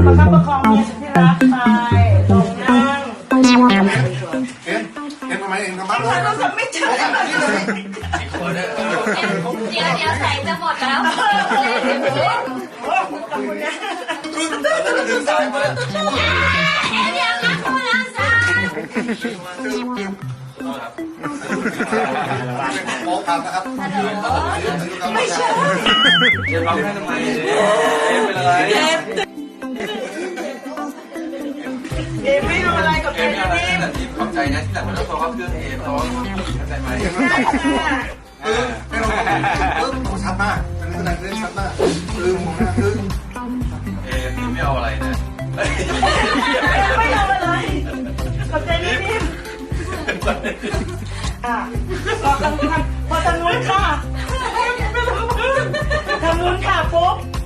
ประคับประคองเมียสุดที่รักไปลงนั่งเห็นทำไมเองทำบ้านเราจะไม่เจอเดี๋ยวใส่จะหมดแล้วดึงสายมาเดี๋ยวนะคุณอาจารย์โป๊กครับนะครับไม่ใช่จะร้องไห้ทำไมเป็นอะไรเอไม่ทำอะไรกับเอ็เอ็มมอะไรนี่นะที่ขอบใจนะที่หลังมันต้องโทรเข้าเครื่องเอ็มร้องเข้าใจไหมไม่ต้องชัดมากเป็นอะไรเรื่องชัดมากมองหน้าคือเอ็มไม่เอาอะไรนะไม่ทำอะไรกับใจนิ่มอ่ะพอทำนู้นค่ะทำนู้นค่ะปุ๊บ